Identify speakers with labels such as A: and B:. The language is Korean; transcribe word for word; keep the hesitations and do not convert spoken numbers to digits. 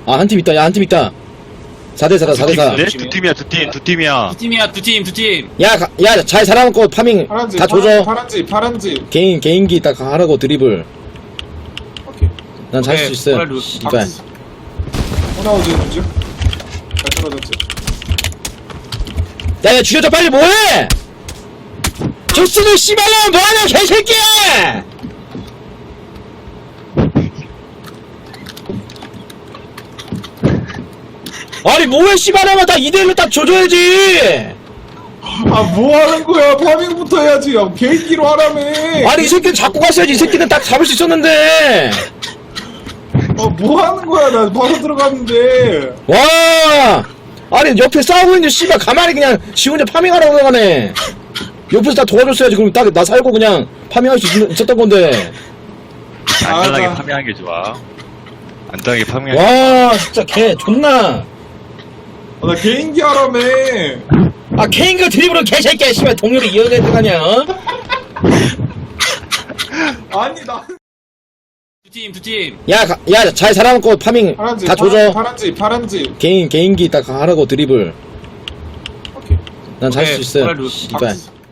A: 아, 한 팀 있다. 야, 한 팀 있다. 사 대 사다, 사 대 사.
B: 네? 두 팀이야, 두 팀, 두 팀이야.
C: 두 팀이야, 두 팀, 두 팀.
A: 야, 가, 야, 잘 살아남고 파밍
D: 파란지,
A: 다 조져.
D: 파란, 파란지, 파란지.
A: 개인, 개인기 딱 하라고 드리블.
D: 오케이.
A: 난 잘 수
C: 오케이,
A: 있어.
C: 빨리
A: 씨발.
D: 호나우지 문제? 잘 떨어졌지.
A: 야, 야, 죽여줘, 빨리 뭐해! 조스는 씨발놈 뭐하냐, 개새끼야! 아니, 뭐해, 씨발놈아, 다 이 대 일로 딱 줘줘야지!
D: 아, 뭐 하는 거야? 파밍부터 해야지. 야, 개인기로 하라며.
A: 아니, 이 새끼는 잡고 갔어야지. 이 새끼는 딱 잡을 수 있었는데!
D: 아, 뭐 하는 거야? 나 바로 들어갔는데.
A: 와! 아니, 옆에 싸우고 있는데, 씨발, 가만히 그냥 지 혼자 파밍하라고 나가네. 옆에서 다 도와줬어야지. 그럼 딱 나 살고 그냥 파밍할 수 있, 있었던 건데.
B: 안전하게
D: 나-
B: 파밍하는 게 좋아. 안전하게 파밍하는 게
A: 와, 진짜 개, 존나.
D: 아, 나 개인기 하라며.
A: 아, 케인가 드리블은 개새끼야, 씨발, 동료를 이어야 되가냐, 어?
D: 아니, 나.
C: 두 팀, 두 팀.
A: 야, 가, 야, 잘 살아남고 파밍
D: 파란지,
A: 다
D: 파란,
A: 조져.
D: 파란지, 파란지.
A: 개인, 개인기 딱 하라고 드리블.
D: 오케이.
A: 난 잘 수
C: 오케이,
A: 있어.
C: 빨리
A: 씨발.
D: 박스.